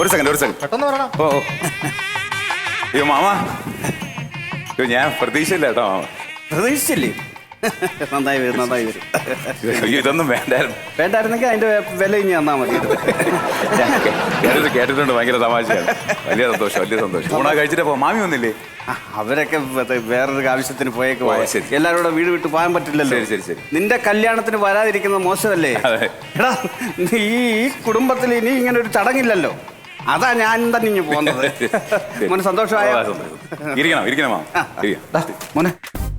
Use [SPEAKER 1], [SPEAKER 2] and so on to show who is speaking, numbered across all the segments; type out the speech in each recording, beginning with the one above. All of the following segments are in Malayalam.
[SPEAKER 1] ഒരു സെക്കൻഡ്
[SPEAKER 2] പെട്ടെന്ന് പറയണം.
[SPEAKER 1] ഓ അയ്യോ മാമ, ഞാൻ പ്രതീക്ഷയില്ല കേട്ടോ മാമ.
[SPEAKER 3] പ്രതീക്ഷിച്ചില്ലേ? നന്നായി വരും.
[SPEAKER 1] അയ്യോ ഇതൊന്നും
[SPEAKER 3] വേണ്ടായിരുന്നെങ്കിൽ അതിന്റെ വില ഇനി തന്നാ മതി.
[SPEAKER 1] കേട്ടിട്ടുണ്ട്, ഭയങ്കര തമാശയാണ്. വലിയ സന്തോഷം. ഊണ കഴിച്ചിട്ട് പോ. മാമി വന്നില്ലേ?
[SPEAKER 3] അവരൊക്കെ വേറൊരു ആവശ്യത്തിന് പോയേക്ക്
[SPEAKER 1] പോയ. ശരി.
[SPEAKER 3] എല്ലാവരും കൂടെ വീട് വിട്ട് പോകാൻ പറ്റില്ലല്ലോ.
[SPEAKER 1] ശരി.
[SPEAKER 3] നിന്റെ കല്യാണത്തിന് വരാതിരിക്കുന്നത് മോശമല്ലേ? എടാ, ഈ കുടുംബത്തിൽ ഇനി ഇങ്ങനെ ഒരു ചടങ്ങില്ലല്ലോ. അതാ ഞാൻ തന്നെ ഇങ്ങനെ പോകുന്നത്. മോനെ സന്തോഷമായ
[SPEAKER 1] ഇരിക്കണം മാമ.
[SPEAKER 3] മോനെ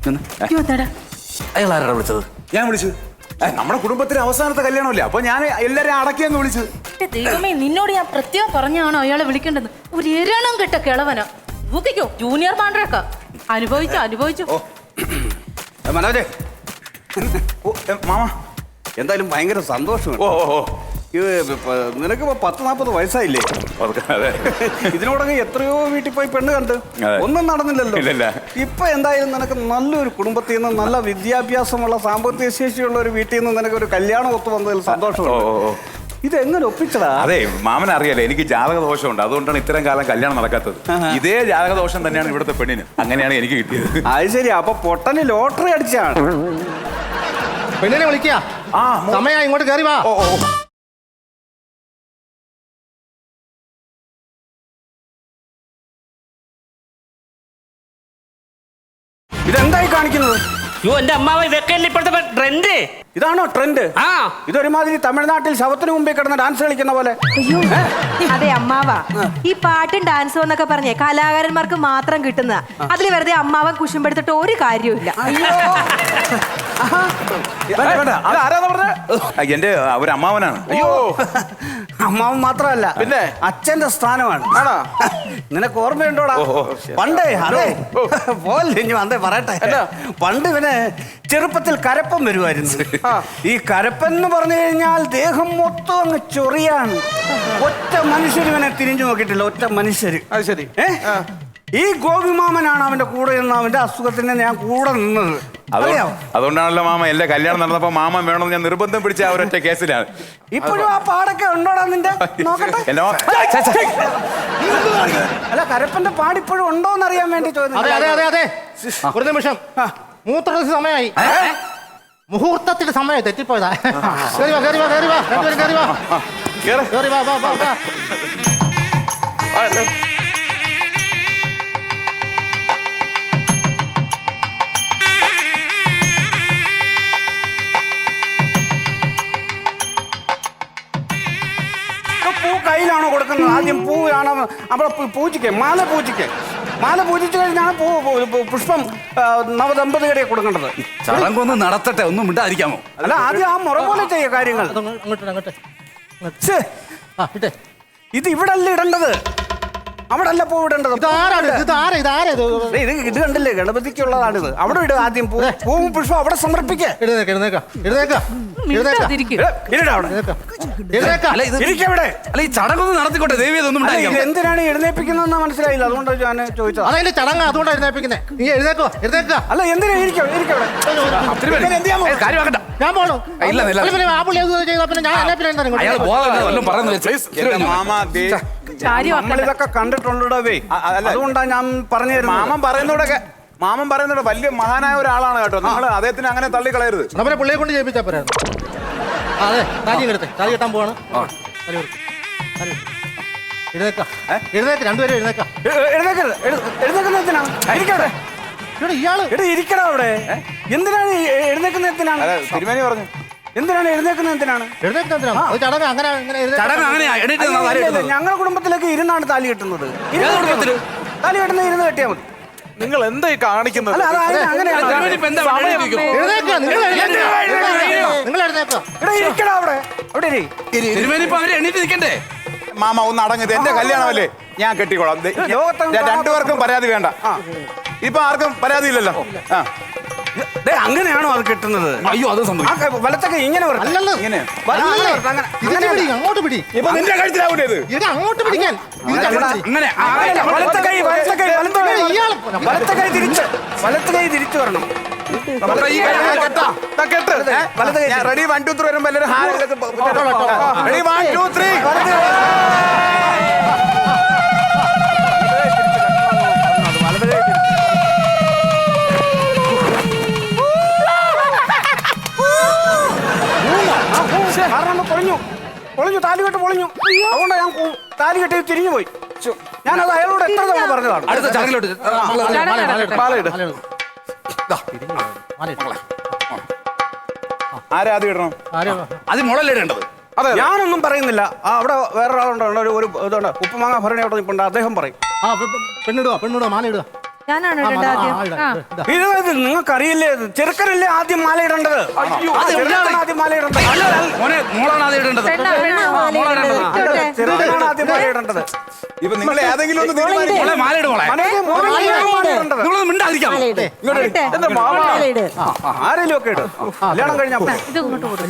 [SPEAKER 2] അയാൾ ആരാണ് വിളിച്ചത്?
[SPEAKER 1] ഞാൻ വിളിച്ചു. നമ്മുടെ കുടുംബത്തിലെ അവസാനത്തെ കല്യാണമല്ലേ, അപ്പൊ ഞാൻ എല്ലാരെയും അടക്കിയെന്ന് വിളിച്ചു.
[SPEAKER 4] ദൈവമേ, നിന്നോട് ഞാൻ പ്രത്യേകം പറഞ്ഞാണോ അയാളെ വിളിക്കേണ്ടത്? ഒരു എരണം കെട്ട കിളവനോ ഊക്കിക്കോ, ജൂനിയർ പാണ്ഡ്രക്ക അനുഭവിച്ചു.
[SPEAKER 3] മനോജേ,
[SPEAKER 1] മാമ
[SPEAKER 3] എന്തായാലും ഭയങ്കര സന്തോഷം. നിനക്കിപ്പോ 10-40 വയസ്സായില്ലേ? ഇതിനോടൊക്കെ എത്രയോ വീട്ടിൽ പോയി പെണ്ണ് കണ്ട് ഒന്നും നടന്നില്ലല്ലോ. ഇപ്പൊ എന്തായാലും നിനക്ക് നല്ലൊരു കുടുംബത്തിൽ നിന്ന്, നല്ല വിദ്യാഭ്യാസമുള്ള സാമ്പത്തിക ശേഷിയുള്ള ഒരു വീട്ടിൽ നിന്ന് നിനക്ക് ഒരു കല്യാണം ഒത്തു വന്നതിൽ സന്തോഷമുണ്ട്. ഇതെങ്ങനെ ഒപ്പിച്ചടാ?
[SPEAKER 1] അതെ, മാമന് അറിയാലേ എനിക്ക് ജാതക ദോഷമുണ്ട്, അതുകൊണ്ടാണ് ഇത്രയും കാലം കല്യാണം നടക്കാത്തത്. ഇതേ ജാതക ദോഷം തന്നെയാണ് ഇവിടുത്തെ പെണ്ണിന്. അങ്ങനെയാണ് എനിക്ക് കിട്ടിയത്.
[SPEAKER 3] അത് ശരി. അപ്പൊ പൊട്ടന് ലോട്ടറി അടിച്ചാണ്.
[SPEAKER 2] പെണ്ണിനെ വിളിക്കുക. സമയം ഇങ്ങോട്ട് കയറി വാ.
[SPEAKER 3] ഇതെന്തായി കാണിക്കുന്നത്?
[SPEAKER 5] എന്റെ അമ്മാവ ഇതൊക്കെയല്ലേ ഇപ്പോഴത്തെ ട്രെൻഡ്.
[SPEAKER 3] ഇതാണോ ട്രെൻഡ്? ഇതൊരുമാതിരി തമിഴ്നാട്ടിൽ ശവത്തിന് മുമ്പേ കിടന്ന് ഡാൻസ് കളിക്കുന്ന പോലെ.
[SPEAKER 6] അതെ അമ്മാവ, ഈ പാട്ടും ഡാൻസും എന്നൊക്കെ പറഞ്ഞേ കലാകാരന്മാർക്ക് മാത്രം കിട്ടുന്ന, അതിൽ വെറുതെ അമ്മാവൻ കുശുമ്പെടുത്തിട്ട് ഒരു കാര്യമില്ല.
[SPEAKER 1] എന്റെ ഒരു അമ്മാവനാണ്.
[SPEAKER 3] അയ്യോ, അമ്മാവൻ മാത്രമല്ല, പിന്നെ അച്ഛന്റെ സ്ഥാനമാണ്. നിനക്ക് ഓർമ്മയുണ്ടോടാ? പണ്ടേ അതെ പോലെ ഇനി വന്നേ പറയട്ടെ. പണ്ട് ഇവന് ചെറുപ്പത്തിൽ കരപ്പം വരുമായിരുന്നു. ഈ കരപ്പൻ എന്ന് പറഞ്ഞു കഴിഞ്ഞാൽ ദേഹം മൊത്തം അങ്ങ് ചൊറിയാണ്. ഒറ്റ മനുഷ്യർ ഇവനെ തിരിഞ്ഞു നോക്കിയിട്ടില്ല, ഒറ്റ മനുഷ്യര്.
[SPEAKER 2] അത് ശരി.
[SPEAKER 3] ഈ ഗോപിമാമനാണ് അവന്റെ കൂടെ നിന്ന് അവന്റെ അസുഖത്തിന് ഞാൻ കൂടെ നിന്നത്.
[SPEAKER 1] അതുകൊണ്ടാണല്ലോ മാമ എന്റെ കല്യാണം നടന്നപ്പോ മാമൻ വേണമെന്ന് ഞാൻ നിർബന്ധം പിടിച്ച ആ ഒരൊറ്റ കേസിലാണ്.
[SPEAKER 3] ഇപ്പോഴും ആ പാടൊക്കെ ഉണ്ടോടാ നിന്റെ? നോക്കട്ടെ. അല്ല, കരപ്പന്റെ പാടിപ്പോഴും ഉണ്ടോന്ന് അറിയാൻ വേണ്ടി ചോദിച്ചു.
[SPEAKER 2] അതെ. ഒരു നിമിഷം, മൂത്രത്തിന് സമയമായി. മുഹൂർത്തത്തിന്റെ സമയം തെറ്റിപ്പോയതാ. കേറി വാ.
[SPEAKER 3] പൂ കയ്യിലാണോ കൊടുക്കുന്നത്? ആദ്യം പൂവാണോ? അവിടെ പൂജിക്ക് മാല പൂജിച്ചു കഴിഞ്ഞാണ് പുഷ്പം നവദമ്പതികളെ കൊടുക്കേണ്ടത്.
[SPEAKER 1] ചടങ്ങൊന്ന് നടത്തട്ടെ, ഒന്നും മിണ്ടാതിരിക്കാമോ?
[SPEAKER 3] അല്ല, ആദ്യം ആ മുറ പോലെ ചെയ്യ കാര്യങ്ങൾ. ഇത് ഇവിടെ അല്ല ഇടേണ്ടത്, അവിടെ അല്ല പൂ ഇടേണ്ടത്. ഇത് കണ്ടില്ലേ, ഗണപതിക്കുള്ളതാണിത്. അവിടെ ഇടുക ആദ്യം പൂവും പുഷ്പം അവിടെ സമർപ്പിക്കുക.
[SPEAKER 1] ഈ ചടങ്ങൊന്നും നടത്തിക്കോട്ടെ, ദേവി ഇതൊന്നും
[SPEAKER 3] എന്തിനാണ് എഴുന്നേപ്പിക്കുന്നതെന്ന് മനസ്സിലായില്ല, അതുകൊണ്ടാണ് ഞാൻ ചോദിച്ചത്.
[SPEAKER 2] അതതിന്റെ ചടങ്ങ്, അതുകൊണ്ടാണ് എഴുന്നേപ്പിക്കുന്നത്. നീ എഴുന്നേക്കോ.
[SPEAKER 3] അല്ല, എന്തിനാ
[SPEAKER 2] ഞാൻ പോണോ?
[SPEAKER 3] നമ്മളിതൊക്കെ കണ്ടിട്ടുണ്ടേ, അതുകൊണ്ടാണ് ഞാൻ പറഞ്ഞു തരുന്നത്.
[SPEAKER 1] മാമൻ പറയുന്നൂടെ വലിയ മഹാനായ ഒരാളാണ് കേട്ടോ. നിങ്ങൾ അദ്ദേഹത്തിന് അങ്ങനെ തള്ളിക്കളയരുത്.
[SPEAKER 2] നമ്മളെ പുള്ളിയെ കൊണ്ട് ചെയ്യിപ്പിച്ചാ പോരായിരുന്നു. അതെ, താലി കെട്ടാൻ പോവാണ്. എഴുന്നേക്ക്, രണ്ടുപേരും എഴുന്നേക്കാം.
[SPEAKER 3] ഇരിക്കടാ അവിടെ. എന്തിനാണ് എഴുന്നേക്കുന്നതിനാണ്
[SPEAKER 1] തിരുമേനി പറഞ്ഞു.
[SPEAKER 3] എന്തിനാണ് എഴുന്നേക്കുന്നതിനാണ്? ഞങ്ങളുടെ കുടുംബത്തിലേക്ക് ഇരുന്നാണ് താലി കെട്ടുന്നത്. താലി കെട്ടുന്നത് ഇരുന്ന് കെട്ടിയാൽ മതി.
[SPEAKER 1] നിങ്ങൾ എന്തായി കാണിക്കുന്നത്? മാമ ഒന്ന് അടങ്ങത്, എന്റെ കല്യാണമല്ലേ, ഞാൻ കെട്ടിക്കോളാം. രണ്ടുപേർക്കും പരാതി വേണ്ട. ഇപ്പൊ ആർക്കും പരാതി ഇല്ലല്ലോ.
[SPEAKER 3] അങ്ങനെയാണോ അത് കിട്ടുന്നത്?
[SPEAKER 1] അയ്യോ, അത് സംഭവിക്കും.
[SPEAKER 3] വലത്തൊക്കെ ഇങ്ങനെ
[SPEAKER 2] അങ്ങോട്ട് പിടി.
[SPEAKER 1] ഇപ്പൊ നിന്റെ കഴുത്തിലാവൂലേ ഇത്?
[SPEAKER 2] അങ്ങോട്ട് പിടിക്കാൻ.
[SPEAKER 3] വലത്തെ കൈ തിരിച്ചു വരണം.
[SPEAKER 1] റെഡി 1 2 3 വരുമ്പോ എല്ലാവരും റെഡി 1 2 3
[SPEAKER 3] താലി കെട്ടി തിരിഞ്ഞു പോയി ഞാനത് അയാളോട് എത്ര തവണ പറഞ്ഞതാണ്.
[SPEAKER 2] അടുത്ത ചടങ്ങിലോട്ട്
[SPEAKER 1] മാലയിട്. ആരാദ്യം ഇടണം?
[SPEAKER 2] അത് മുളല്ലേ ഇടേണ്ടത്.
[SPEAKER 1] അതെ
[SPEAKER 3] ഞാനൊന്നും പറയുന്നില്ല. അവിടെ വേറൊരാളുണ്ട്, ഒരു ഇതുണ്ട്, ഉപ്പുമാങ്ങ ഭരണി അവിടെ നിൽപ്പുണ്ട്, അദ്ദേഹം പറയും.
[SPEAKER 2] പെണ്ണിടുക മാല ഇടുക.
[SPEAKER 6] ഞാനാണ് ഇടേണ്ടത് ആദ്യം.
[SPEAKER 3] ഇത് നിങ്ങൾക്കറിയില്ലേ, ചെറുക്കനല്ലേ ആദ്യം മാല ഇടേണ്ടത്. ചെറുക്കനാണ് ആദ്യം മാല ഇടേണ്ടത്.
[SPEAKER 2] മോനെ മോളാണ് അത് ഇടേണ്ടത്.
[SPEAKER 3] ചെറുക്കനാണ് ആദ്യം മാല ഇടേണ്ടത്.
[SPEAKER 1] ഇപ്പൊ നിങ്ങൾ ഏതെങ്കിലും ഒന്ന് തീരുമാനിക്ക്.
[SPEAKER 2] മോളെ മാല ഇട് മോളെ. നിങ്ങളൊന്നും മിണ്ടാതിരിക്കാം.
[SPEAKER 1] എന്റെ മാമ
[SPEAKER 3] ആരെങ്കിലും ഒക്കെ ഇടും. കല്യാണം കഴിഞ്ഞാ മതി.
[SPEAKER 4] ഇത് ഇങ്ങോട്ട് കൊടുക്കും.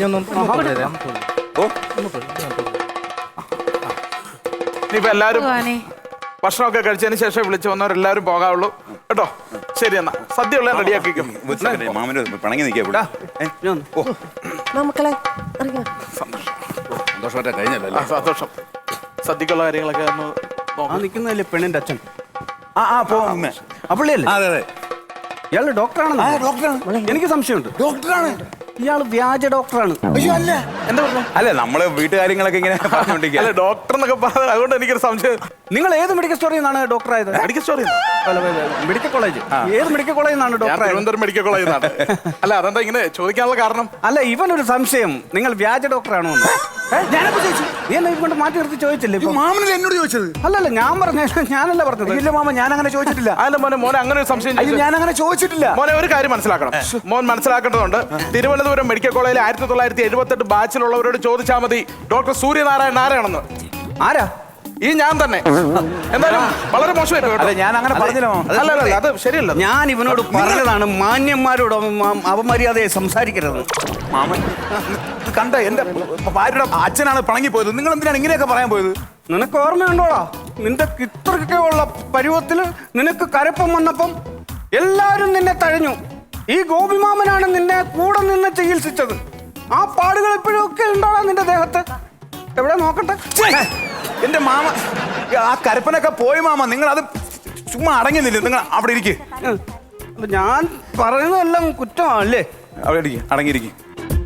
[SPEAKER 1] ഇനിയിപ്പോ എല്ലാരും
[SPEAKER 4] ഭഗവാനെ.
[SPEAKER 1] ഭക്ഷണമൊക്കെ കഴിച്ചതിന് ശേഷം വിളിച്ചു വന്നവരെല്ലാരും പോകാവുള്ളൂ കേട്ടോ. ശരി എന്നാ സദ്യ ഉള്ള റെഡിയാക്കിക്കും. മാമന് പിണങ്ങി നിൽക്കുക.
[SPEAKER 6] മക്കളെ
[SPEAKER 2] സന്തോഷമായിട്ട് കഴിഞ്ഞല്ലോ.
[SPEAKER 1] സന്തോഷം. സദ്യക്കുള്ള കാര്യങ്ങളൊക്കെ ഒന്ന്
[SPEAKER 3] ആ നിൽക്കുന്നതല്ലേ പെണ്ണിന്റെ അച്ഛൻ.
[SPEAKER 1] പോകുന്നേ
[SPEAKER 3] അപ്പള്ളിയല്ലേ?
[SPEAKER 1] അതെ അതെ
[SPEAKER 3] ഇയാള് ഡോക്ടറാണെന്ന്.
[SPEAKER 1] ഡോക്ടറാണ്.
[SPEAKER 3] എനിക്ക് സംശയമുണ്ട്.
[SPEAKER 1] ഡോക്ടറാണ്.
[SPEAKER 3] ഇയാള് വ്യാജ ഡോക്ടറാണ്.
[SPEAKER 1] അയ്യോ അല്ല. എന്താ പറഞ്ഞു? അല്ല നമ്മള് വീട്ടുകാര്യങ്ങളൊക്കെ ഇങ്ങനെ പറഞ്ഞോണ്ടിരിക്കുക. ഡോക്ടർ എന്നൊക്കെ പറഞ്ഞത് അതുകൊണ്ട് എനിക്കൊരു സംശയം.
[SPEAKER 3] നിങ്ങൾ ഏത് മെഡിക്കൽ സ്റ്റോറിൽ നിന്നാണ് ഡോക്ടർ ആയത്?
[SPEAKER 1] മെഡിക്കൽ സ്റ്റോറിൽ
[SPEAKER 3] മെഡിക്കൽ കോളേജ്. ഏത് മെഡിക്കൽ കോളേജിൽ നിന്നാണ് ഡോക്ടർ ആയത്?
[SPEAKER 1] തിരുവനന്തപുരം മെഡിക്കൽ കോളേജിൽ നിന്നാണ്. അല്ല അതെന്താ ഇങ്ങനെ ചോദിക്കാനുള്ള കാരണം?
[SPEAKER 3] അല്ല ഇവനൊരു സംശയം, നിങ്ങൾ വ്യാജ ഡോക്ടറാണോ എന്ന്. ഞാനപ്പോ ചോദിച്ചു, നീ എന്നെ ഇവണ്ട് മാറ്റി നിർത്തി ചോദിച്ചില്ലേ?
[SPEAKER 1] മാമനല്ലേ എന്നോട് ചോദിച്ചത്?
[SPEAKER 3] അല്ലല്ല ഞാൻ പറഞ്ഞ ഞാനല്ല പറഞ്ഞത്.
[SPEAKER 1] ഇല്ല മാമ ഞാൻ അങ്ങനെ ചോദിച്ചിട്ടില്ല. അല്ല മോനെ അങ്ങനെ ഒരു സംശയം ഞാൻ അങ്ങനെ ചോദിച്ചിട്ടില്ല. മോനെ ഒരു കാര്യം മനസ്സിലാക്കണം. മോൻ മനസ്സിലാക്കേണ്ടതുണ്ട്. തിരുവനന്തപുരം മെഡിക്കൽ കോളേജിൽ 1978 ബാച്ചിലുള്ളവരോട് ചോദിച്ചാൽ മതി ഡോക്ടർ സൂര്യനാരായണൻ ആരാണെന്ന്.
[SPEAKER 3] ആരാ?
[SPEAKER 1] ഈ ഞാൻ തന്നെ. എന്തായാലും വളരെ മോശമായി. ഞാൻ അങ്ങനെ പറഞ്ഞില്ല. അല്ല അത് ശരിയല്ല.
[SPEAKER 3] ഞാൻ ഇവനോട് പറഞ്ഞതാണ് മാന്യന്മാരോട് അപമര്യാദയെ സംസാരിക്കരുത്.
[SPEAKER 1] മാമൻ കണ്ട എന്റെ ഭാര്യയുടെ അച്ഛനാണ് പിണങ്ങിപ്പോയത്. നിങ്ങൾ എന്തിനാണ് ഇങ്ങനെയൊക്കെ പറയാൻ പോയത്?
[SPEAKER 3] നിനക്ക് ഓർമ്മയുണ്ടോടാ, നിന്റെ ഇത്രയൊക്കെ ഉള്ള പരുവത്തില് നിനക്ക് കരപ്പം വന്നപ്പം എല്ലാരും നിന്നെ തഴഞ്ഞു. ഈ ഗോപിമാമനാണ് നിന്നെ കൂടെ നിന്ന് ചികിത്സിച്ചത്. ആ പാടുകൾ ഇപ്പോഴും ഒക്കെ ഉണ്ടോടാ നിന്റെ ദേഹത്ത്? എവിടെ നോക്കട്ടെ.
[SPEAKER 1] എന്റെ മാമ ആ കരപ്പനൊക്കെ പോയി മാമ. നിങ്ങൾ അത് ചുമ്മാ അടങ്ങുന്നില്ല. നിങ്ങൾ അവിടെ ഇരിക്കും.
[SPEAKER 3] ഞാൻ പറയുന്നതെല്ലാം കുറ്റമാണല്ലേ?
[SPEAKER 1] അവിടെ ഇരിക്കും, അടങ്ങിയിരിക്കും.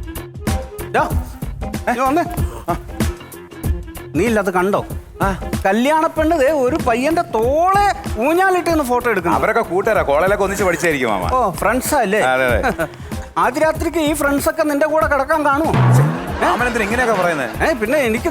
[SPEAKER 3] വന്നേ. നീ ഇല്ലാത്ത കണ്ടോ? കല്യാണ പെണ്ണ് ഒരു പയ്യന്റെ തോളെ ഊഞ്ഞാലിട്ട് ഫോട്ടോ എടുക്കണം.
[SPEAKER 1] അവരൊക്കെ കൂട്ടുകാരാ, കോളേജിലൊക്കെ ഒന്നിച്ച് പഠിച്ചായിരിക്കും മാമ.
[SPEAKER 3] ഓ ഫ്രണ്ട്സാ അല്ലേ? ആദ്യ രാത്രിക്ക് ഈ ഫ്രണ്ട്സ് ഒക്കെ നിന്റെ കൂടെ കിടക്കാൻ കാണുമോ?
[SPEAKER 1] മാമനെന്തിനാ ഇങ്ങനെയൊക്കെ പറയുന്നത്?
[SPEAKER 3] പിന്നെ എനിക്കിത്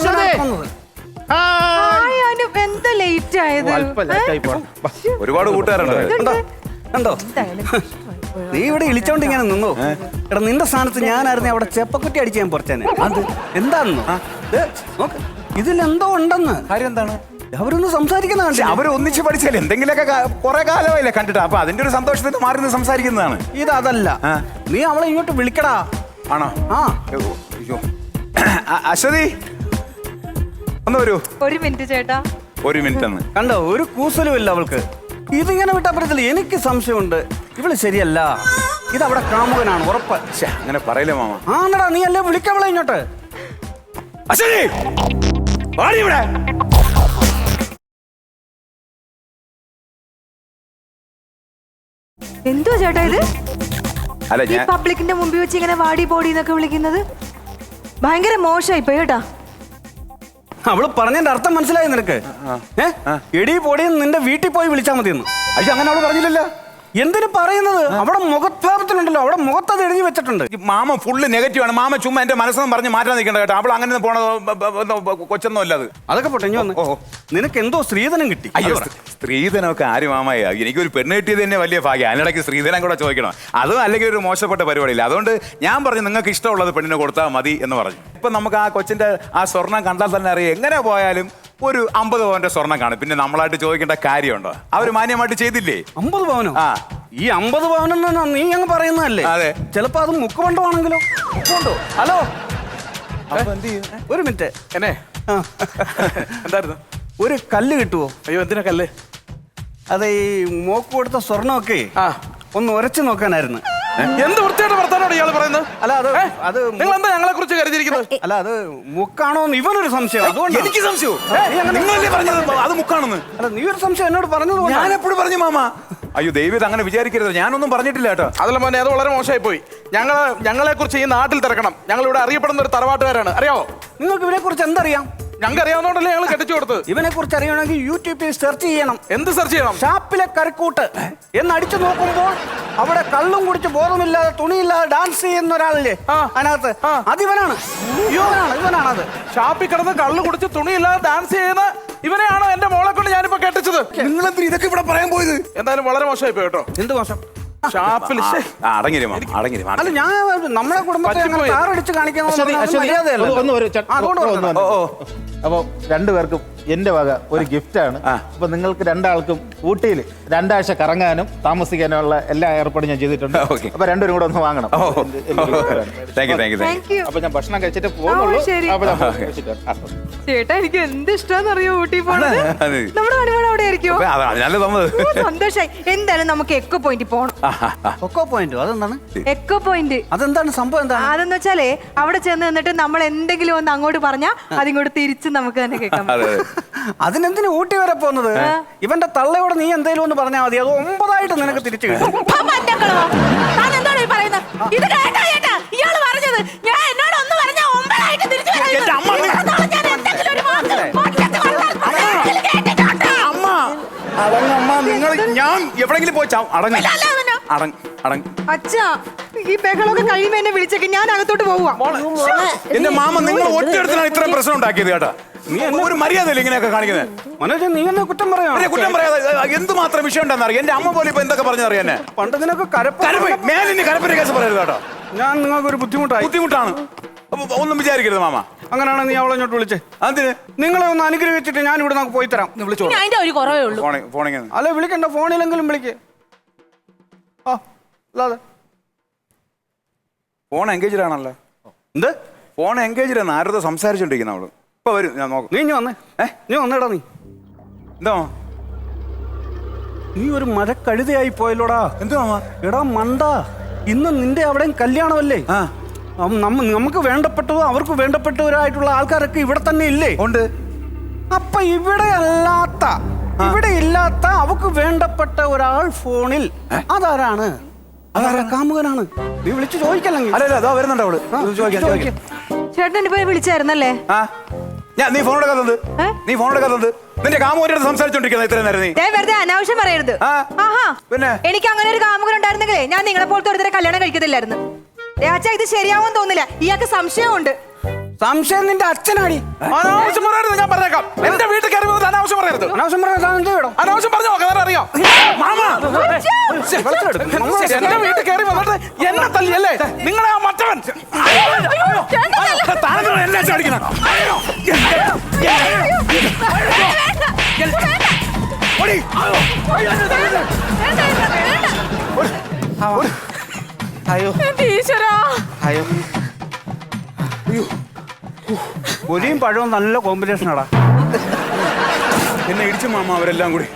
[SPEAKER 6] എന്താ ലേറ്റ് ആയത്?
[SPEAKER 1] ഒരുപാട് കൂട്ടുകാരുണ്ട്.
[SPEAKER 3] കണ്ടോ? നീ ഇവിടെ ഇളിച്ചോണ്ട് ഇങ്ങനെ നിന്നോ? എടാ നിന്റെ സ്ഥാനത്ത് ഞാനായിരുന്നു അവിടെ ചെപ്പക്കുറ്റി അടിച്ച് ഞാൻ പുറത്തേനെ. അത് എന്താണെന്നോ? ഇതിലെന്തോ ഉണ്ടെന്ന്.
[SPEAKER 1] കാര്യം എന്താണ്?
[SPEAKER 3] അവരൊന്ന് സംസാരിക്കുന്ന കണ്ടേ?
[SPEAKER 1] അവര് ഒന്നിച്ച് പഠിച്ചാലേ എന്തെങ്കിലുമൊക്കെ കുറെ കാലമായില്ലേ കണ്ടിട്ട്. അപ്പൊ അതിന്റെ ഒരു സന്തോഷത്തിന് മാറി നിന്ന് സംസാരിക്കുന്നതാണ്.
[SPEAKER 3] ഇതല്ല, നീ അവളെ ഇങ്ങോട്ട് വിളിക്കടാ.
[SPEAKER 1] ആണോ?
[SPEAKER 3] ആ
[SPEAKER 1] അശ്വതി ഒന്ന് വരൂ.
[SPEAKER 6] ഒരു മിനിറ്റ് ചേട്ടാ.
[SPEAKER 1] ഒരു മിനിറ്റ് എന്ന്
[SPEAKER 3] കണ്ടോ? ഒരു കൂസലുമില്ല അവൾക്ക്. ഇതിങ്ങനെ വിട്ടാ പറ്റത്തില്ല. എനിക്ക് സംശയമുണ്ട്, ഇവള് ശരിയല്ല. ഇതവിടെ കാമുകനാണ് ഉറപ്പ്.
[SPEAKER 1] അങ്ങനെ പറയില്ല മാമ.
[SPEAKER 3] ആന്നടാ, നീ അല്ലേ വിളിക്കവളെ ഇങ്ങോട്ട്.
[SPEAKER 1] അശ്വതി ഇവിടെ.
[SPEAKER 6] എന്തോ ചേട്ടാ ഇത്?
[SPEAKER 1] അല്ല
[SPEAKER 6] ഈ പബ്ലിക്കിന്റെ മുമ്പിൽ വെച്ച് ഇങ്ങനെ വാടി പോടി എന്നൊക്കെ വിളിക്കുന്നത് ഭയങ്കര മോശമായി പോയി കേട്ടാ.
[SPEAKER 3] അവള് പറഞ്ഞതിന്റെ അർത്ഥം മനസ്സിലായി നിനക്ക്? എടി പൊടിയെന്ന് നിന്റെ വീട്ടിൽ പോയി വിളിച്ചാൽ മതിയെന്ന്.
[SPEAKER 1] അയ്യോ അങ്ങനെ അവള് പറഞ്ഞില്ലല്ലോ.
[SPEAKER 3] എന്തിനു പറയുന്നത്? അവിടെ മുഖഭാവത്തിലുണ്ടല്ലോ, അവിടെ മുഖത്തത് എഴുതി വെച്ചിട്ടുണ്ട്.
[SPEAKER 1] മാമ ഫുള്ള് നെഗറ്റീവ് ആണ്. മാമ ചുമ്മാ എന്റെ മനസ്സൊന്നും പറഞ്ഞ് മാറ്റാൻ നിൽക്കണ്ട കേട്ടോ. അവൾ അങ്ങനെ പോണ കൊച്ചൊന്നും അല്ല അത്.
[SPEAKER 3] അതൊക്കെ പോട്ടെ, ഇനി വന്ന് നിനക്ക് എന്തോ സ്ത്രീധനം കിട്ടി.
[SPEAKER 1] അയ്യോ സ്ത്രീധനമൊക്കെ ആര് മാമായ? എനിക്കൊരു പെണ്ണ് കിട്ടിയത് തന്നെ വലിയ ഭാഗ്യം. അതിനിടയ്ക്ക് സ്ത്രീധനം കൂടെ ചോദിക്കണം. അതും അല്ലെങ്കിൽ ഒരു മോശപ്പെട്ട പരിപാടിയില്ല. അതുകൊണ്ട് ഞാൻ പറഞ്ഞു നിങ്ങൾക്ക് ഇഷ്ടമുള്ളത് പെണ്ണിനെ കൊടുത്താൽ മതി എന്ന് പറഞ്ഞു. ഇപ്പൊ നമുക്ക് ആ കൊച്ചിന്റെ ആ സ്വർണം കണ്ടാൽ തന്നെ അറിയാം. എങ്ങനെ പോയാലും ഒരു 50 പവന്റെ സ്വർണം കാണും. പിന്നെ നമ്മളായിട്ട് ചോദിക്കേണ്ട കാര്യമുണ്ടോ? അവര് മാന്യമായിട്ട് ചെയ്തില്ലേ?
[SPEAKER 3] 50 പവനോ?
[SPEAKER 1] ആ
[SPEAKER 3] ഈ 50 പവനെന്ന് നീ അങ്ങ് പറയുന്നതല്ലേ?
[SPEAKER 1] അതെ.
[SPEAKER 3] ചിലപ്പോ അത് മുക്കുകൊണ്ടോ? ഹലോ, ഒരു മിനിറ്റ്.
[SPEAKER 1] എന്നെ എന്തായിരുന്നു?
[SPEAKER 3] ഒരു കല്ല് കിട്ടുവോ?
[SPEAKER 1] അയ്യോ എന്തിനാ കല്ല്?
[SPEAKER 3] അതെ, ഈ മോക്ക് കൊടുത്ത സ്വർണ്ണമൊക്കെ ഒന്ന് ഉരച്ചു നോക്കാനായിരുന്നു.
[SPEAKER 1] എന്ത് വൃത്തിയായിട്ട് വർത്താനോട് ഇയാൾ പറയുന്നത്?
[SPEAKER 3] അല്ല അത്
[SPEAKER 1] നിങ്ങൾ എന്താ ഞങ്ങളെ കുറിച്ച് കരുതിയിരിക്കുന്നത്?
[SPEAKER 3] അല്ല അത് മുക്കാണോ എന്ന് ഇവനൊരു സംശയം. അതുകൊണ്ട്
[SPEAKER 1] എനിക്ക് സംശയം. നിങ്ങളല്ലേ പറഞ്ഞത് അത് മുക്കാണെന്ന്?
[SPEAKER 3] അല്ല നീ ഒരു സംശയം എന്നോട് പറഞ്ഞത്.
[SPEAKER 1] ഞാൻ എപ്പോഴും പറഞ്ഞു മാമ. അയ്യോ ദൈവം അങ്ങനെ വിചാരിക്കരുത്. ഞാനൊന്നും പറഞ്ഞിട്ടില്ല കേട്ടോ. അതല്ല മോനെ, അത് വളരെ മോശമായി പോയി. ഞങ്ങളെ കുറിച്ച് ഈ നാട്ടിൽ തിരക്കണം. ഞങ്ങൾ ഇവിടെ അറിയപ്പെടുന്ന ഒരു തറവാട്ടുകാരാണ്, അറിയാമോ?
[SPEAKER 3] നിങ്ങൾക്ക് ഇവരെ കുറിച്ച് എന്തറിയാം?
[SPEAKER 2] ഞങ്ങൾക്ക് അറിയാവുന്നോണ്ടല്ലേ ഞങ്ങൾ കെട്ടിച്ചു കൊടുത്തത്.
[SPEAKER 3] ഇവനെ കുറിച്ച് അറിയണമെങ്കിൽ യൂട്യൂബിൽ സെർച്ച് ചെയ്യണം.
[SPEAKER 2] എന്ത് സെർച്ച് ചെയ്യണം?
[SPEAKER 3] ഷാപ്പിലെ കരക്കൂട്ട് എന്നടിച്ചു നോക്കുമ്പോൾ അവിടെ കള്ളും കുടിച്ച് ബോധമില്ലാതെ തുണിയില്ലാതെ ഡാൻസ് ചെയ്യുന്ന ഒരാളില്ലേ അതിനകത്ത്, അതിവനാണ്. ഇവനാണത്.
[SPEAKER 2] ഷാപ്പിൽ കിടന്ന് കള്ളു കുടിച്ച് തുണിയില്ലാതെ ഡാൻസ് ചെയ്യുന്ന ഇവനെയാണോ എന്റെ മോളെ കൊണ്ട് ഞാനിപ്പോ കെട്ടിച്ചത്?
[SPEAKER 1] നിങ്ങളെന്തിനാ ഇതൊക്കെ ഇവിടെ പറയാൻ പോയത്?
[SPEAKER 2] എന്തായാലും വളരെ മോശമായി പോയി കേട്ടോ.
[SPEAKER 3] എന്ത് മോശം?
[SPEAKER 2] ഷാപ്പിൽ
[SPEAKER 1] അടങ്ങിരും.
[SPEAKER 3] അല്ല, ഞാൻ നമ്മുടെ കുടുംബത്തെ അങ്ങനെ താറടിച്ച് കാണിക്കാൻ
[SPEAKER 7] അപ്പൊ രണ്ടുപേർക്കും എന്റെ വക ഒരു ഗിഫ്റ്റ് ആണ്. അപ്പൊ നിങ്ങൾക്ക് രണ്ടാൾക്കും ഊട്ടിയിൽ 2 ആഴ്ച കറങ്ങാനും താമസിക്കാനുള്ള എല്ലാ ഏർപ്പാടും ഞാൻ ചെയ്തിട്ടുണ്ട്. അപ്പൊ രണ്ടുപേരും കൂടെ ഒന്ന് വാങ്ങണം. അപ്പൊ ഞാൻ ഭക്ഷണം കഴിച്ചിട്ട് പോകുന്നുള്ളൂ. അപ്പൊ ഞാൻ കഴിച്ചിട്ട് വരാം.
[SPEAKER 6] ചേട്ടാ എനിക്ക് എന്ത് ഇഷ്ടമാണെന്നറിയോ ഊട്ടി പോണത്. നമ്മുടെ ഹണിമൂൺ അവിടെ ആയിരിക്കുമോ? സന്തോഷായി. എന്തായാലും നമുക്ക് എക്കോ പോയിന്റ് പോണം.
[SPEAKER 3] കൊക്കോ പോയിന്റ് അതെന്താണ്?
[SPEAKER 6] എക്കോ പോയിന്റ്
[SPEAKER 3] അതെന്താണ് സംഭവം? എന്താണ്
[SPEAKER 6] അതെന്ന് വെച്ചാലേ അവിടെ ചെന്ന് നിന്നിട്ട് നമ്മൾ എന്തെങ്കിലും ഒന്ന് അങ്ങോട്ട് പറഞ്ഞാൽ അതിങ്ങോട്ട് തിരിച്ച് നമുക്ക് തന്നെ കേൾക്കാം.
[SPEAKER 3] അതിനെന്തിനു ഊട്ടി വരെ പോകുന്നത്? ഇവന്റെ തള്ളയോട് നീ എന്തേലും ഒന്ന് പറഞ്ഞാൽ മതി, അത് 9 നിനക്ക് തിരിച്ചു കിട്ടും.
[SPEAKER 4] ഇയാള് പറഞ്ഞത് ഞാൻ എന്നോട് ഒന്ന് പറഞ്ഞ 9 തിരിച്ചു
[SPEAKER 1] നിങ്ങൾ ഞാൻ എവിടെങ്കിലും പോയി
[SPEAKER 6] അച്ഛാ ഈ ബഹളമൊക്കെ കഴിയുമ്പോ എന്നെ വിളിച്ചേക്ക്, ഞാൻ അകത്തോട്ട് പോവാ.
[SPEAKER 1] എന്റെ മാമ നിങ്ങൾ ഒറ്റയെടുത്തിനാണ് ഇത്രയും പ്രശ്നം ഉണ്ടാക്കിയത് കേട്ടാ. നീ ഒരു മര്യാദയില്ല ഇങ്ങനെയൊക്കെ കാണിക്കുന്നത്.
[SPEAKER 3] മനോജ്, നീ എന്നെ കുറ്റം പറയാ?
[SPEAKER 1] കുറ്റം പറയാതെ എന്തുമാത്രം വിഷയം ഉണ്ടെന്ന് അറിയാം. എന്റെ അമ്മ പോലെ ഇപ്പൊ എന്തൊക്കെ പറഞ്ഞറിയാ എന്നെ.
[SPEAKER 3] പണ്ട് നിനക്ക്
[SPEAKER 1] മേലിന് കരപ്പന്റെ കേസ് പറയരുത് കേട്ടോ.
[SPEAKER 3] ഞാൻ നിങ്ങൾക്ക് ഒരു
[SPEAKER 1] ബുദ്ധിമുട്ടാണ്. ഒന്നും വിചാരിക്കരുത് മാമ.
[SPEAKER 3] അങ്ങനെയാണ് നീ അവളെ ഇങ്ങോട്ട് വിളിച്ചേ.
[SPEAKER 1] അതിന്
[SPEAKER 3] നിങ്ങളെ ഒന്ന് അനുഗ്രഹിച്ചിട്ട് ഞാൻ ഇവിടെ നമുക്ക് പോയി തരാം.
[SPEAKER 1] വിളിച്ചോ.
[SPEAKER 4] അതിന്റെ ഒരു കുറവേ ഉള്ളൂ.
[SPEAKER 3] അല്ലെ വിളിക്കണ്ട, ഫോണിലെങ്കിലും വിളിക്കേ.
[SPEAKER 1] ഫോൺ എൻഗേജ്ഡ് ആണല്ലോ.
[SPEAKER 3] എന്ത്
[SPEAKER 1] ഫോൺ എൻഗേജ്ഡ് ആണ്? ആരോട് സംസാരിച്ചോണ്ടിരിക്കുന്ന അവള്. ഇപ്പൊ വരും, ഞാൻ നോക്കാം.
[SPEAKER 3] നീ വന്നേ. നീ വന്നേടാ. നീ
[SPEAKER 1] എന്താ
[SPEAKER 3] നീ ഒരു മരക്കഴുതയായി പോയല്ലോടാ.
[SPEAKER 1] എന്തുവാ
[SPEAKER 3] എടാ മണ്ട, ഇന്ന് നിന്റെ അവിടെയും കല്യാണമല്ലേ? നമുക്ക് വേണ്ടപ്പെട്ടതോ അവർക്ക് വേണ്ടപ്പെട്ടവരായിട്ടുള്ള ആൾക്കാരൊക്കെ ഇവിടെ തന്നെ ഇല്ലേ?
[SPEAKER 1] ഉണ്ട്.
[SPEAKER 3] അപ്പൊ ഇവിടെ ഇല്ലാത്ത അവക്ക് വേണ്ടപ്പെട്ട ഒരാൾ ഫോണിൽ. അതാരാണ്? അതാരാ? കാമുകനാണ്. നീ വിളിച്ചു ചോദിക്കല്ലെങ്കിൽ.
[SPEAKER 1] അല്ല വരുന്നുണ്ട് അവള്.
[SPEAKER 6] ചേട്ടൻ പോയി വിളിച്ചായിരുന്നല്ലേ?
[SPEAKER 1] നീ ഫോൺ എടുക്കാത്തത്? നിന്റെ കാമുകനോട് സംസാരിച്ചോണ്ടിരിക്കുന്ന ഇത്രയും നേരം നീ
[SPEAKER 6] വെറുതെ അനാവശ്യം പറയരുത്.
[SPEAKER 1] പിന്നെ
[SPEAKER 6] എനിക്ക് അങ്ങനെ ഒരു കാമുകൻ ഉണ്ടായിരുന്നെങ്കിലേ ഞാൻ നിങ്ങളെ പോലത്തെ ഒരുത്തരെ കല്യാണം കഴിക്കത്തില്ലായിരുന്നു. രാജാ, ഇത് ശരിയാവും തോന്നില്ല. ഇയാൾക്ക് സംശയമുണ്ട്.
[SPEAKER 3] സംശയം നിന്റെ അച്ഛനാടി.
[SPEAKER 2] അനാവശ്യം പറയരുത്, ഞാൻ പറഞ്ഞേക്കാം. എന്റെ വീട്ടിൽ കയറി വന്നത് അനാവശ്യം പറയരുത്.
[SPEAKER 3] അനാവശ്യം പറയാൻ
[SPEAKER 2] അനാവശ്യം പറഞ്ഞു നോക്കാൻ അറിയാം. എന്റെ വീട്ടിൽ കയറി വന്നിട്ട് എന്നെ തല്ലിയല്ലേ നിങ്ങളെ ആ മറ്റവൻ. എന്നെ ചാടിക്കണം.
[SPEAKER 3] പൊരിയും പഴവും നല്ല കോമ്പിനേഷനാടാ.
[SPEAKER 1] എന്നെ ഇടിച്ചു മാമ. അവരെല്ലാം കൂടി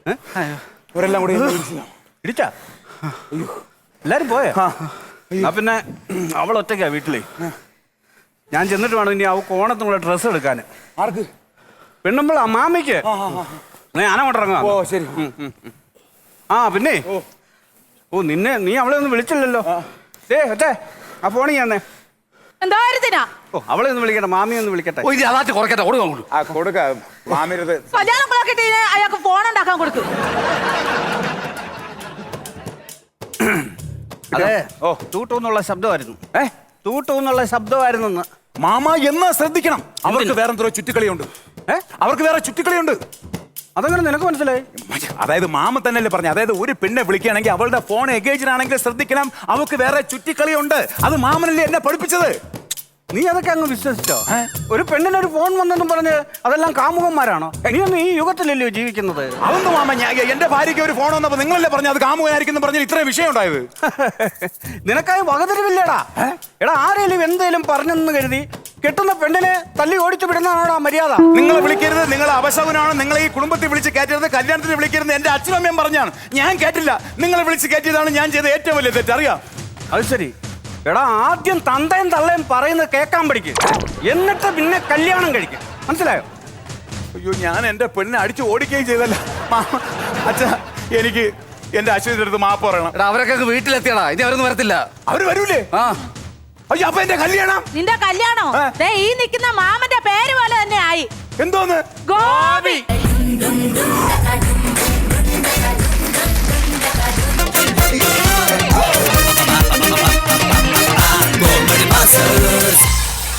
[SPEAKER 3] ഇടിച്ചാ? എല്ലാരും പോയേ? പിന്നെ അവൾ ഒറ്റയ്ക്കാ വീട്ടിലേ. ഞാൻ ചെന്നിട്ട് വേണം ഇനി അവൾക്ക് ഓണത്തിനുള്ള ഡ്രസ്സ് എടുക്കാൻ.
[SPEAKER 1] ആർക്ക്?
[SPEAKER 3] പെണ്ണുമ്പോൾ മാമിക്ക്. ഞാനങ്ങോട്ട് ഇറങ്ങാം.
[SPEAKER 1] ഓ ശരി.
[SPEAKER 3] പിന്നെ നീ അവളെ ഒന്നും വിളിച്ചില്ലല്ലോ. ഒറ്റേ ആ ഫോണിൽ ഞാൻ അവളെ ഒന്ന് വിളിക്കട്ടെ, മാമിയെ ഒന്ന് വിളിക്കട്ടെ.
[SPEAKER 4] അയാൾക്ക് ഫോൺ ഉണ്ടാക്കാൻ കൊടുക്കും.
[SPEAKER 3] അതെ, തൂട്ടൂന്നുള്ള ശബ്ദമായിരുന്നു. തൂട്ടൂന്നുള്ള ശബ്ദമായിരുന്നു.
[SPEAKER 1] മാമ എന്നാ ശ്രദ്ധിക്കണം. അവർക്ക് വേറെ എന്തോ ചുറ്റിക്കളിയുണ്ട്. അവർക്ക് വേറെ ചുറ്റിക്കളിയുണ്ട്.
[SPEAKER 3] അതങ്ങനെ നിനക്ക് മനസ്സിലായി?
[SPEAKER 1] അതായത് മാമ തന്നെയല്ലേ പറഞ്ഞു. അതായത് ഒരു പെണ്ണെ വിളിക്കുകയാണെങ്കിൽ അവളുടെ ഫോൺ എഗേജ് ആണെങ്കിൽ ശ്രദ്ധിക്കണം. അവൾക്ക് വേറെ ചുറ്റിക്കളിയുണ്ട്. അത് മാമനല്ലേ എന്നെ പഠിപ്പിച്ചത്.
[SPEAKER 3] നീ അതൊക്കെ അങ്ങ് വിശ്വസിച്ചോ? ഒരു പെണ്ണിനൊരു ഫോൺ വന്നെന്നും പറഞ്ഞ് അതെല്ലാം കാമുകന്മാരാണോ? നീ ഒന്നും ഈ യുഗത്തിലല്ലയോ ജീവിക്കുന്നത്?
[SPEAKER 1] അതൊന്നും മാമ, എന്റെ ഭാര്യയ്ക്ക് ഒരു ഫോൺ വന്നപ്പോ നിങ്ങളല്ലേ പറഞ്ഞു അത് കാമുകനായിരിക്കും പറഞ്ഞ ഇത്രയും വിഷയം ഉണ്ടായത്.
[SPEAKER 3] നിനക്കായി വകതിരിവില്ലേടാ. എടാ, ആരെങ്കിലും എന്തേലും പറഞ്ഞെന്ന് കരുതി കെട്ടുന്ന പെണ്ണിനെ തല്ലി ഓടിച്ചു വിടുന്നതാണോടാ മര്യാദ?
[SPEAKER 1] നിങ്ങളെ വിളിക്കരുത്, നിങ്ങൾ അപശകുനാണ്. നിങ്ങളെ ഈ കുടുംബത്തിൽ വിളിച്ച് കയറ്റരുത്, കല്യാണത്തിന് വിളിക്കരുത്. എന്റെ അച്ഛനും അമ്മയും പറഞ്ഞാണ്. ഞാൻ കേട്ടില്ല. നിങ്ങളെ വിളിച്ച് കയറ്റിയതാണ് ഞാൻ ചെയ്ത ഏറ്റവും വലിയ തെറ്റ്. അറിയാം.
[SPEAKER 3] അത് ശരി. എടാ, ആദ്യം തന്തയും തള്ളയും പറയുന്നത് കേൾക്കാൻ പഠിക്കും, എന്നിട്ട് പിന്നെ കല്യാണം കഴിക്കും. മനസ്സിലായോ?
[SPEAKER 1] അയ്യോ, ഞാൻ എന്റെ പെണ്ണിനെ അടിച്ചു ഓടിക്കുകയും ചെയ്തല്ല. അച്ഛാ, എനിക്ക് എന്റെ അച്ഛൻ്റെ അടുത്ത് മാപ്പ് പറയണം.
[SPEAKER 3] അവരൊക്കെ വീട്ടിലെത്തിയടാ. ഇനി അവരൊന്നും വരത്തില്ല.
[SPEAKER 1] അവര് വരൂലേ? അയ്യോ, അപ്പൊ എന്റെ കല്യാണം?
[SPEAKER 4] നിന്റെ കല്യാണോ? ഈ നിൽക്കുന്ന മാമന്റെ പേര് പോലെ തന്നെ ആയി.
[SPEAKER 1] എന്തോന്ന്
[SPEAKER 4] ഗോപി